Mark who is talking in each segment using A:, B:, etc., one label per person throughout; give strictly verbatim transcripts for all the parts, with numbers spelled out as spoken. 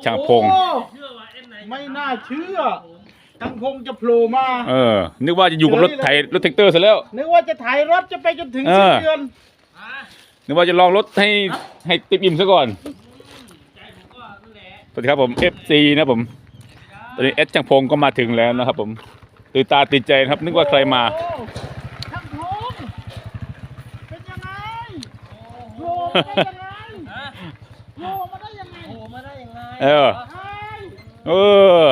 A: ช่างพง
B: ไม่น่าเชื่อช่างพงจะโผล่มา
A: เออนึกว่าจะอยู่กับรถไถรถแท็กเตอร์ซะแล้ว
B: นึกว่าจะถ่ายรถจะไปจนถึงสิ้นเดือน
A: นึกว่าจะลองรถให้ให้ติดอิ่มซะก่อนสวัสดีครับผม เอฟ ซี นะผมตอนนี้เอสช่างพงก็มาถึงแล้วนะครับผมตื่นตาตื่นใจนะครับนึกว่าใครมา
B: ช่างพงเป็นยังไงโผล่มาได้ยังไงโผล่มาได้ยังไงโผล่มาได้ยังไง
A: เออเออ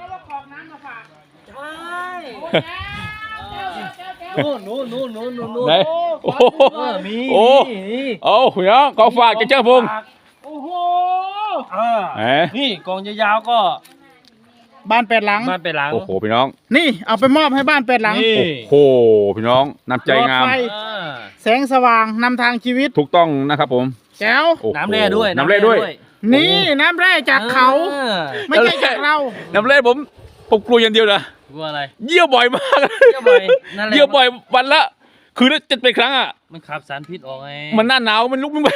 B: นู่นนู่นนู่นนู่นนู่น
A: ไหนโอ้โห
B: มี
A: โอ้โอ้พี่น้องกองฝากจากเจ้าพง
B: โอ้โห
C: นี่กองยาวๆก็
B: บ้านแปดหลัง
C: บ้านแปดหลัง
A: โอ้โหพี่น้อง
B: นี่เอาไปมอบให้บ้านแปดหลัง
A: โอ้โหพี่น้องน้ำใจงาม
B: แสงสว่างนำทางชีวิต
A: ถูกต้องนะครับผม
B: แก้ว
C: น้ำแร่ด้วย
A: น้ำแร่ด้วย
B: นี่น้ำแร่จากเขาไม่ใช่จากเรา
A: น้ำแร่ผมผมกลัวอย่างเดียวนะ
C: กลัวอะไร
A: เยี่ยวบ่อยมาก
C: เยี่ยวบ่อย
A: เยี่ยวบ่อยวันละคือถ้าจะไปครั้งอ่ะ
C: มันขับสารพิษออกไง
A: มันหน้าหนาวมันลุกไม่ไหว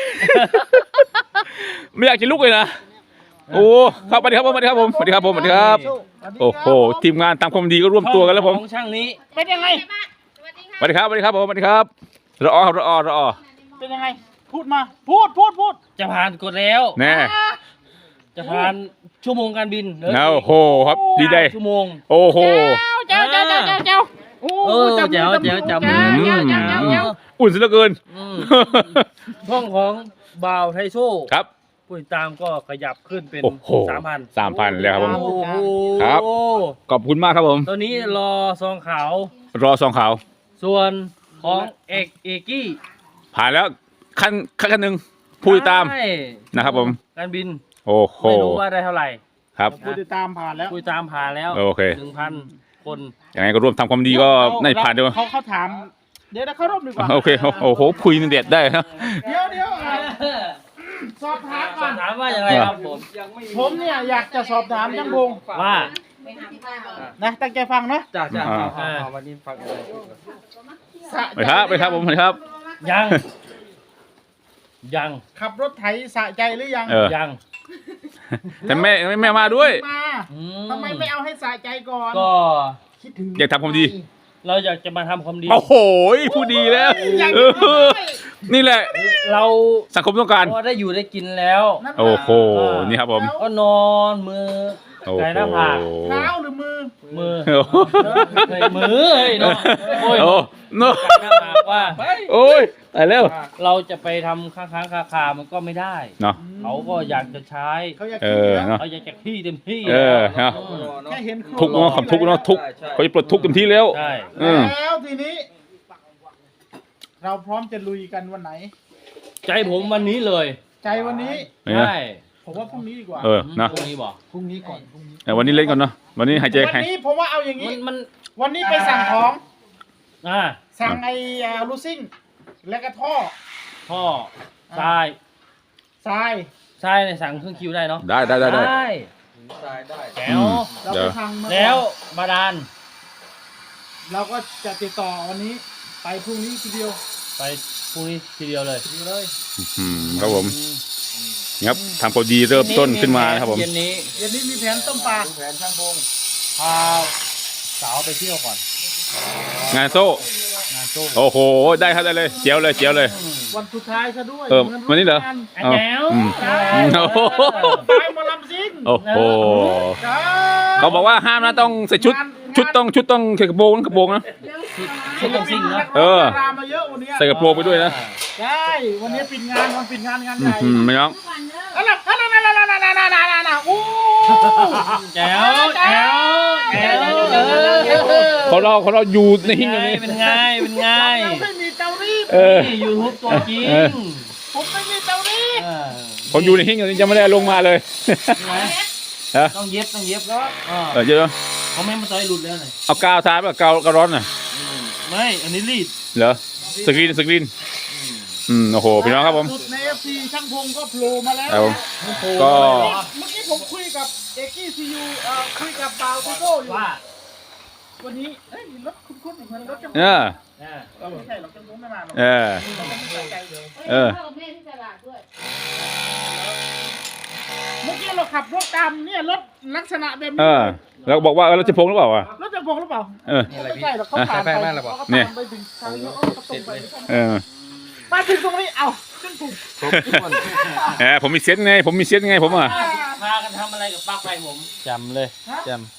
A: ไม่อยากจะลุกเลยนะโอ้ครับสวัสดีครับผมสวัสดีครับผมสวัสดีครับผมสวัสดีครับโอ้โหทีมงานทำความดีก็ร่วมตัวกันแล้วผม
C: ของช่างนี้
B: เป็นยังไง
A: สวัสดีครับสวัสดีครับผมสวัสดีครับรอรอรอ
B: เป็นยังไงพูดมาพูดพูดพูด
C: จะผ่านกดแล้ว
A: แน่
C: จะผ่านชั่วโมงการบิน
A: โอ้โหครับดีใจ
C: ชั่วโมง
A: โอ้โห
B: เจ้าเจ้าเจ้าเจ้าเจ้าโอ้
C: เจ้าเจ้าเจ้าเจ้า
A: อุ่นซะเหลือเกิน
C: ห้องของบ่าวไทโซ่
A: ครับ
C: ผู้ติดตามก็ขยับขึ้นเป็นสามพัน
A: สามพันแล้วครับผม
C: ค
A: รับขอบคุณมากครับผม
C: ตอนนี้รอซองขาว
A: รอซองขาว
C: ส่วนของเอกเอกี้
A: ผ่านแล้วขั้นขั้นหนึ่งผู้ติดตามนะครับผม
C: การบิน
A: โอ้โห
C: ไม่รู้ว่าได้เท่าไหร่
A: ครับ
B: ผู้ติดตามผ่านแล้ว
C: ผู้ติดตามผ่านแล้ว
A: โอเค
C: หนึ่งพันคน
A: ยังไงก็ร่วมทำความดีก็ได้ผ่านด้วย
B: เขาเขาถามเดี๋ยวเขาร่วมดีกว่า
A: โอเคโอ้โหคุยเด็ดได้นะ
B: เดี๋ยวเดี๋ยวสอบถามก่อน
C: ถามว่าอย่างไรครับผม
B: ผมเนี่ยอยากจะสอบถามช่างพง
C: ว่า
B: นะตั้งใจฟังนะ
C: จ้าจ้าวันนี้ฟังอะไร
A: ไปครับไปครับผมไปครับ
C: ยังยัง
B: ขับรถไถสะใจหรือยัง
C: ยัง
A: แต่แม่แม่มาด้วย
B: ทำไมไม่เอาให้สะใจก่อน
C: ก็
B: คิดถึง
A: อยากทำความดี
C: เราอยากจะมาทำความดี
A: โอ้โหผู้ดีแล้วนี่แหละ
C: เรา
A: สังคมต้องการ
C: ก็ได้อยู่ได้กินแล้ว
A: โอ้โหนี่ครับผม
C: ก็นอนมือไก่หน้าผาก
B: เท้าหรือมือ
C: มือมือเฮ้ยเนาะโอ้ย
A: เนาะ
C: ว่า
A: โอ้ยตายแล้ว
C: เราจะไปทำค้างค้างคาคามันก็ไม่ได้
A: เนาะ
C: เขาก็อยากจะใช้
B: เขาอยาก
C: เขาอยากจะขี้เต็มที่
A: เออเนาะ
B: แค่เห็น
A: ทุกเนาะคำทุกเนาะทุกเขาจะปลดทุกเต็มที่แล้ว
C: ใช่
B: แล้วทีนี้เราพร้อมจะลุยกันวันไหน
C: ใจผมวันนี้เลย
B: ใจวันนี้
C: ใช่
B: ผมว่าพรุ่งนี้ดีกว่า
A: เออนะ
C: พรุ่งนี้บอก
B: พรุ่งนี้ก่อนพรุ่งนี้
A: แต่วันนี้เล่นก่อนเนาะวันนี้หายใจ
B: วันนี้ผมว่าเอาอย่างนี้
C: มัน
B: วันนี้ไปสั่งของ
C: อ่า
B: สั่งไอ้ลูซิ่งแล้วก็ท่อ
C: ท่อทราย
B: ทราย
C: ทรายในสั่งเครื่องคิวได้เนาะ
A: ได้ได้ได้ได้
C: ทรายได้แล้ว
B: เราไปทาง
C: แล้วบาดาล
B: เราก็จะติดต่อวันนี้ไปพรุ่งนี้ทีเดียว
C: ไปพรุ่งนี้ทีเดียวเลย
B: ทีเดียวเลย
A: ครับผมครับทำพอดีเริ่มต้นขึ้นมานะครับผม
C: เย็นนี้
B: เย็นนี้มีแผนต้มปลา
C: แผนช่างพงพาสาวไปเที่ยวก่อน
A: งานโซ่
C: งานโซ่
A: โอ้โหได้ครับได้เลยเจียวเลยเจียวเลย
B: วันสุดท้ายซะด้วย
A: เออวันนี้เหรอ
C: แจ๋ว
B: ไปมาลำซิ่ง
A: โอ้โหเขาบอกว่าห้ามนะต้องใส่ชุดชุดต้องชุดต้องใส่กระโปรงกระโปรงนะ
C: ชุดต้องซิ่งนะ
A: เออ
B: ใส่
A: กระโปรงไปด้วยนะ
B: ใช่วันนี้ปิดงานวันปิดงานงานใหญ่
A: ไม่น้อง
B: อะไรอะไรอะไรอะไรอะไรอะไรอะไรโอ้
C: แจ๋วแจ๋วแจ๋ว
A: เขาเราเขาเราอยู่ในหิ้งอย่างนี้
C: เป็นไงเป็นไง
B: ไม่มีเตารีด
C: นี่ยูทูบตัวจริง
B: ผมไม่มีเตารีด
A: ผมอยู่ในหิ้งอย่างนี้จะไม่ได้ลงมาเลย
C: ต้องเย็บต้องเย็บแล้ว
A: เออเยอะ
C: เขาไม่มาต่อยหลุดแล้วเลย
A: เอากาวทาแบบกาวกาวร้อนน่ะ
C: ไม่อันนี้รีด
A: เหรอสกรีนสกรีนอืมโอ้โหพี่น้องครับผม
B: ใน เอฟ ซี ช่างพงก็โผล่มาแล้ว
A: ก็
B: เมื่อกี้ผมคุยกับเอกกี้ซียูคุยกับบ่าวพี่โก้อยู่ว่าวันนี้เอ้ยรถคุ้นๆเหมือนรถจังหวะเออไม่ใช่หรอกจังหวะไม่มาหรอก
A: เออเออ
B: เมื่อกี้เราขับรถตามเนี่ยรถลักษณะแบบ
A: เอ
B: นี้
A: อแล้วก็บอกว่าเออเราจะพงหรือเปล่าวะ
B: รถจะพงหรือเปล่า
A: เออ
B: ไม่ใช่หรอกเขาผ่านไปเขาก็ตามไปถึงทางนี้เขาก็ตรงไป
A: เออ
B: มาถึงตรงนี้เอ้าขึ้นถูก
A: แหมผมมีเซนส์ไงผมมีเซนส์ไงผมอ่ะ
C: พากันทำอะไรกับปลั๊กไฟผมจำเลยจำ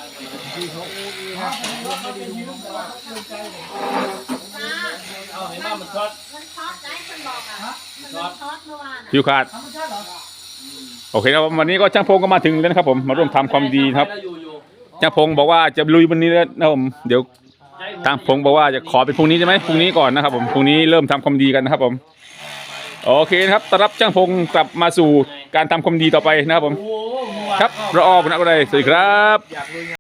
C: เอาเห็นว่ามันช็อต
D: มันช็อตได้คนบอกอ่ะมันช็อตเมื่อวาน
A: ผิวขาดโอเคครับวันนี้ก็ช่างพงก็มาถึงแล้วนะครับผมมาร่วมทำความดีนะครับ
C: อยู่อยู่
A: ช่างพงบอกว่าจะลุยวันนี้แล้วนะครับผมเดี๋ยวทางพงบอกว่าจะขอเป็นพรุ่งนี้ใช่ไหมพรุ่งนี้ก่อนนะครับผมพรุ่งนี้เริ่มทำความดีกันนะครับผมโอเคนะครับต้อนรับช่างพงกลับมาสู่การทำความดีต่อไปนะครับผม
C: โอ้โห
A: ครับรออบุญอะไรสวัสดีครับ